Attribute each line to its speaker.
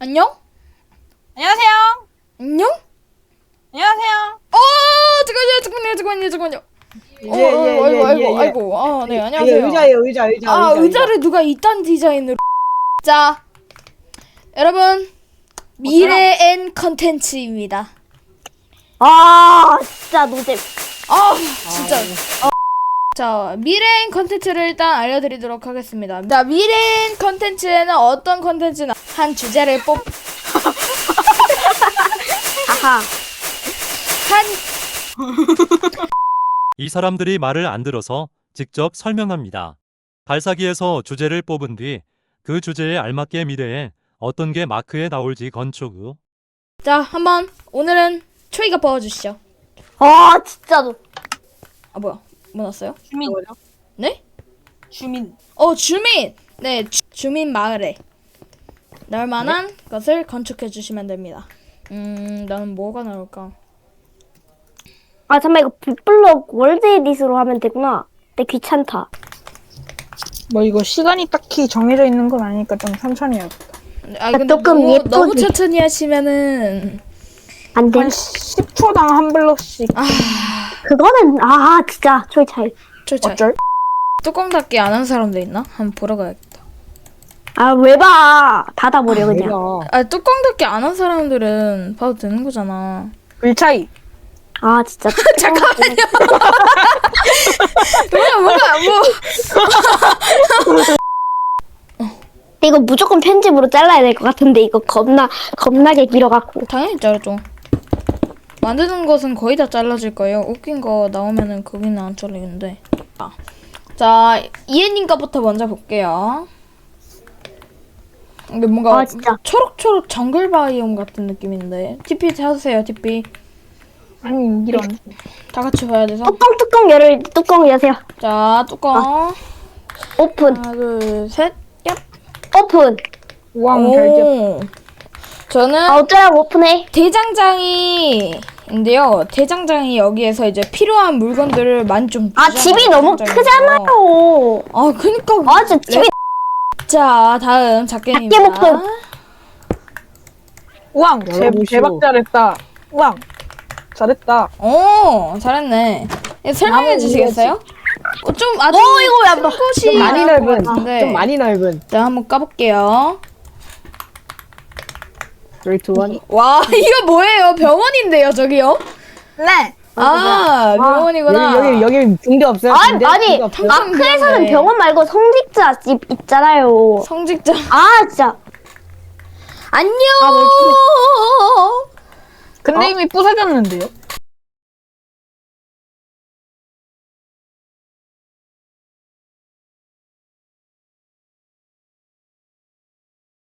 Speaker 1: 안녕?
Speaker 2: 안녕하세요.
Speaker 1: 안녕?
Speaker 2: 안녕하세요.
Speaker 1: 잠깐만요. 아이고. 아, 네,
Speaker 3: 예,
Speaker 1: 안녕하세요.
Speaker 3: 의자.
Speaker 1: 의자를 누가 이딴 디자인으로. 자, 여러분. 미래엔 컨텐츠입니다.
Speaker 4: 아, 진짜 노잼.
Speaker 1: 진짜. 자, 미래엔 컨텐츠를 일단 알려드리도록 하겠습니다. 자, 미래엔 컨텐츠에는 어떤 컨텐츠나 한 주제를
Speaker 4: 하하.
Speaker 5: 이 사람들이 말을 안 들어서 직접 설명합니다. 발사기에서 주제를 뽑은 뒤 그 주제에 알맞게 미래에 어떤 게 마크에 나올지 건축 후
Speaker 1: 자, 한번 오늘은 초이가 뽑아주시죠.
Speaker 4: 아, 진짜 노.
Speaker 1: 아, 뭐야? 뭐 났어요?
Speaker 2: 주민.
Speaker 1: 네?
Speaker 2: 주민.
Speaker 1: 주민! 네, 주민 마을에 날 만한 것을 건축해 주시면 됩니다. 나는 뭐가 나올까?
Speaker 4: 아, 잠깐만, 이거 빅블럭 월드 에디스로 하면 되구나. 근데 귀찮다.
Speaker 2: 뭐 이거 시간이 딱히 정해져 있는 건 아니니까 좀 천천히 해야겠다.
Speaker 1: 아, 근데
Speaker 4: 조금
Speaker 1: 너무
Speaker 4: 예쁘게.
Speaker 1: 천천히 하시면은
Speaker 4: 안 돼.
Speaker 2: 한 10초당 한 블럭씩.
Speaker 4: 그거는, 진짜, 초이 차이.
Speaker 2: 어쩔?
Speaker 1: 뚜껑 닫기 안 한 사람도 있나? 한번 보러 가야겠다.
Speaker 4: 아, 왜 봐. 닫아버려, 그냥.
Speaker 1: 뚜껑 닫기 안 한 사람들은 봐도 되는 거잖아.
Speaker 2: 글 차이.
Speaker 4: 아, 진짜.
Speaker 1: 잠깐만요. 뭐야.
Speaker 4: 이거 무조건 편집으로 잘라야 될 것 같은데, 이거 겁나게 길어갖고.
Speaker 1: 당연히 자르죠. 만드는 것은 거의 다 잘라질 거예요. 웃긴 거 나오면은 거기는 안 잘리는데. 자, 이해님 거부터 먼저 볼게요. 근데 뭔가
Speaker 4: 아, 진짜.
Speaker 1: 초록초록 정글 바이옴 같은 느낌인데. TP 찾으세요, TP.
Speaker 2: 아니 이런.
Speaker 1: 다 같이 봐야 돼서.
Speaker 4: 뚜껑 여세요.
Speaker 1: 자, 뚜껑.
Speaker 4: 오픈.
Speaker 1: 하나, 둘, 셋. 얍.
Speaker 4: 오픈.
Speaker 2: 우왕 별집.
Speaker 1: 오. 저는
Speaker 4: 아, 어쩌라고 오픈해.
Speaker 1: 대장장이인데요. 대장장이 여기에서 이제 필요한 물건들을 많이 좀
Speaker 4: 아,
Speaker 1: 주잖아요,
Speaker 4: 집이 너무
Speaker 1: 대장장이에서.
Speaker 4: 크잖아요.
Speaker 1: 아, 그니까.
Speaker 4: 아, 진짜 집이.
Speaker 1: 자, 다음 작게님입니다.
Speaker 4: 작게 목표.
Speaker 2: 우왕
Speaker 3: 열어보시오.
Speaker 2: 대박 잘했다. 우왕 잘했다.
Speaker 1: 오, 잘했네. 설명해 주시겠어요? 좀 아주
Speaker 4: 이거 야,
Speaker 1: 곳이
Speaker 3: 좀 많이
Speaker 1: 나을 것
Speaker 3: 넓은.
Speaker 1: 같은데.
Speaker 3: 좀 많이 넓은.
Speaker 1: 일단 한번 까볼게요.
Speaker 3: 3, 2, 1.
Speaker 1: 와, 이거 뭐예요? 병원인데요, 저기요?
Speaker 2: 네.
Speaker 1: 아, 병원이구나.
Speaker 3: 여기 붕대 없어요? 붕대?
Speaker 4: 아니,
Speaker 3: 붕대 없어요?
Speaker 4: 마크에서는
Speaker 1: 네.
Speaker 4: 병원 말고 성직자 집 있잖아요.
Speaker 1: 성직자.
Speaker 4: 아, 진짜.
Speaker 1: 안녕.
Speaker 2: 근데 이미 부서졌는데요.